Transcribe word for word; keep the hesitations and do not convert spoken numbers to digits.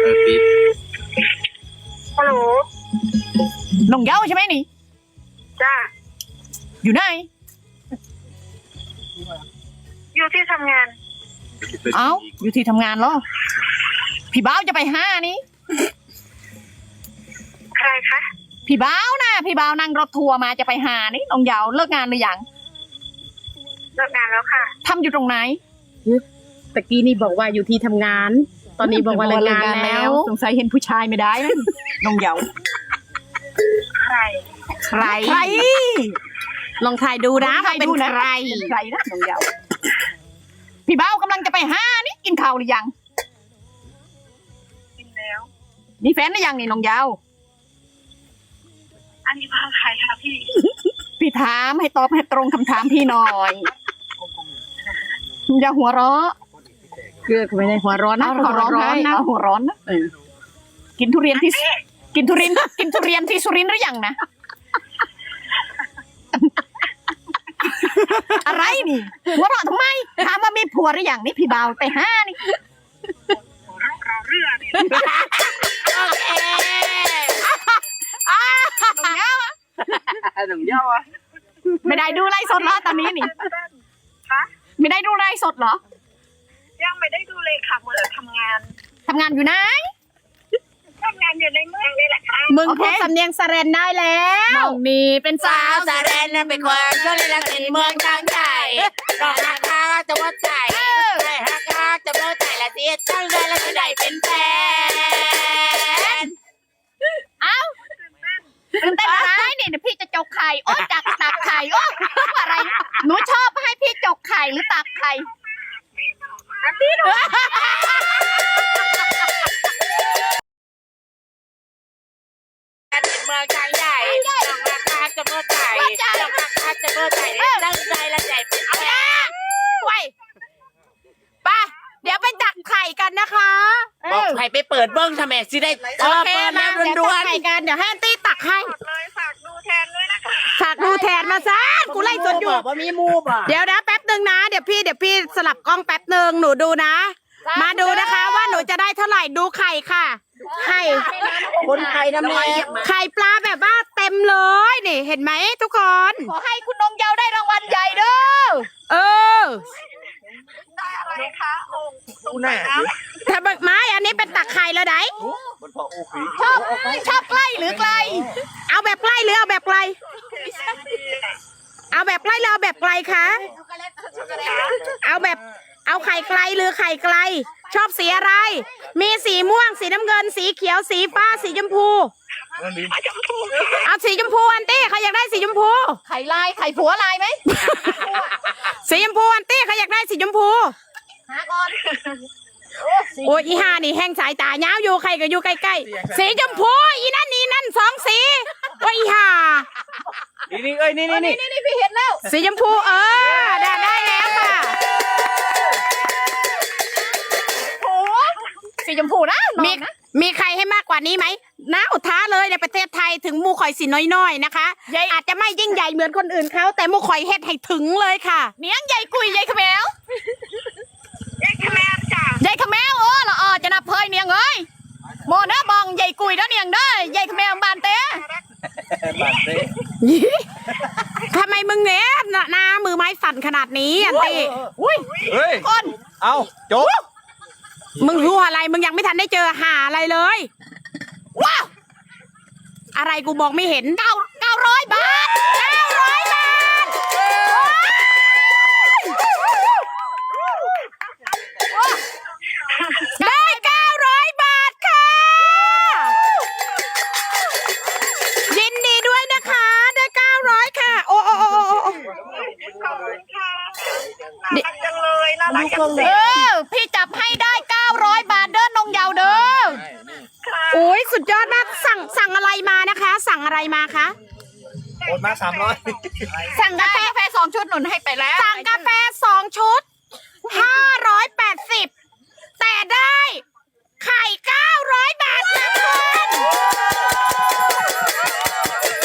ออปิดฮัลโหลน้องเย้าใช่ไหมนี่จ้าอยู่ไหนอยู่ที่ทำงานเอ้าอยู่ที่ทำงานเหรอพี่บ้าวจะไปห้านี่ใครคะพี่บ้าวนะพี่บ้าวนั่งรถทัวร์มาจะไปหานี่น้องเย้าเลิกงานหรือยังเลิกงานแล้วค่ะทำอยู่ตรงไหนตะกี้นี่บอกว่าอยู่ที่ทำงานตอนนี้บอกว่าเลิกงานแล้วสงสัยเห็นผู้ชายไม่ได้นะน้องเย้าใครใครใครลองถ่ายดูนะว่าเป็นใครใครนะน้องเย้าพี่บ้าวกำลังจะไปห้านี่กินข้าวหรือยังกินแล้วมีแฟนหรือยังนี่น้องเย้าอันนี้พาใครคะพี่พี่ถามให้ตอบให้ตรงคำถามพี่หน่อยอย่าหัวเราะเกือบไม่ได้หัวร้อนนะหัวร้อนนะหัวร้อนนะกินทุเรียนที่กินทุเรียนกินทุเรียนที่สุรินทร์หรือยังนะอะไรนี่หัวเราะทำไมถามว่ามีผัวหรือยังนี่พี่บ่าวไปห้านี่เราเรื่องนี่โอเคอ่าหนุ่มเย้าหนุ่มเย้าอ่ะไม่ได้ดูไลฟ์สดเหรอตอนนี้นี่คะไม่ได้ดูไลฟ์สดเหรอยังไม่ได้ดูเลยค่ะเมื่อทำงานทำงานอยู่ไหนทำงานอยู่ในเมืองนี่แหละค่ะมึงพูดสำเนียงสะเรนได้แล้วน้องนี่เป็นสาวสะเรนนั่นเป็นคนช่วยในรักในเมืองทางใจรองราคาจะว่าใจได้ราคาจะว่าใจละเสียตั้งเลยแล้วจะได้เป็นแฟนเอ้าตื่นเต้นอะไรนี่เดี๋ยวพี่จะจกไข่โอ้จักตักไข่โอ้อะไรหนูชอบให้พี่จกไข่หรือตักไข่พี่หนูเป็นเมืองทางใหญ่รองราคาจะว่าใจรองราคาจะว่าใจตั้งใจแล้วใจเป็นแฟนไว้ป่ะเดี๋ยวไปตักไข่กันนะคะบอกใครไปเปิดเบิ้งทำไมสิได้โอเคมาเดี๋ยวตักไข่กันเดี๋ยวให้อันตี้ตักให้เลยฝากดูแทนด้วยนะคะฝากดูแทนมาซะกูไล่สดอยู่ว่ามีมูบอ่ะเดี๋ยวนะแป๊บนึงนะเดี๋ยวพี่เดี๋ยวพี่สลับกล้องแป๊บนึงหนูดูนะมาดูนะคะว่าหนูจะได้เท่าไหร่ดูไข่ค่ะไข่คนไทยทำไมไข่ปลาแบบว่าเต็มเลยนี่เห็นไหมทุกคนขอให้คุณน้องเย้าได้รางวัลใหญ่เด้อเออได้อะไรคะองค์ดูหน้าถ้าเบิกไม้อันนี้เป็นตักไข่แล้วไหนชอบชอบใกล้หรือไกลเอาแบบใกล้หรือเอาแบบไกลเอาแบบใกล้หรือเอาแบบไกลคะเอาแบบเอาไข่ไกลหรือไข่ไกลชอบสีอะไรมีสีม่วงสีน้ำเงินสีเขียวสีฟ้าสีชมพูเอาสีชมพูอันตี้เขาอยากได้สีชมพูไข่ลายไข่ผัวลายไหมสีชมพูอันตี้เขาอยากได้สีชมพูหาก่อนโอ้ยอีห่านี่แห้งสายตาเงาอยู่ใครก็อยู่ใกล้ๆสีชมพูอีนั่นนี่นั่นสองสีโอ้ยอีห่านี่นี่เอ้ยนี่นี่นี่นี่พี่เห็นแล้วสีชมพูเออได้ได้แล้วค่ะสีชมพูนะมีมีใครให้มากกว่านี้ไหมนะอุท้าเลยในประเทศไทยถึงมูข่อยสีน้อยๆนะคะอาจจะไม่ยิ่งใหญ่เหมือนคนอื่นเขาแต่มูข่อยเฮ็ดให้ถึงเลยค่ะเนียงใหญ่กุยใหญ่ขมวยายขแมวจ้ะใหญ่ขมวโอ้ละอ๋อจะนับเพยเนียงเอ้ยโมนะบองใหญ่กุยแล้วเนียงได้ใหญ่ขมวบานเต้บานเต้ทำไมมึงเนี้ยหน้ามือไม้สั่นขนาดนี้อันตีอุ้ยเฮ้ยคนเอาจบมึงรู้อะไรมึงยังไม่ทันได้เจอหาอะไรเลยว้าวอะไรกูมองไม่เห็นเก้าเก้าร้อยบาทเก้าร้อยบาทได้เก้าร้อยบาทค่ะยินดีด้วยนะคะได้เก้าร้อยค่ะโอ้โอ้โอ้โอ้ขอบคุณค่ะน่ารักจังเลยน่ารักจังเลยเออพี่จับให้ได้เก้าร้อยบาทเด้อน้องเยาเด้อโอ้ยสุดยอดมากสั่งสั่งอะไรมานะคะ สั่งอะไรมาคะโอนมาสามร้อยสั่งกาแฟสองชุดหนุนให้ไปแล้วสั่งกาแฟสองชุดห้าร้อยแปดสิบแต่ได้ไข่เก้าร้อยบาทนะคุณ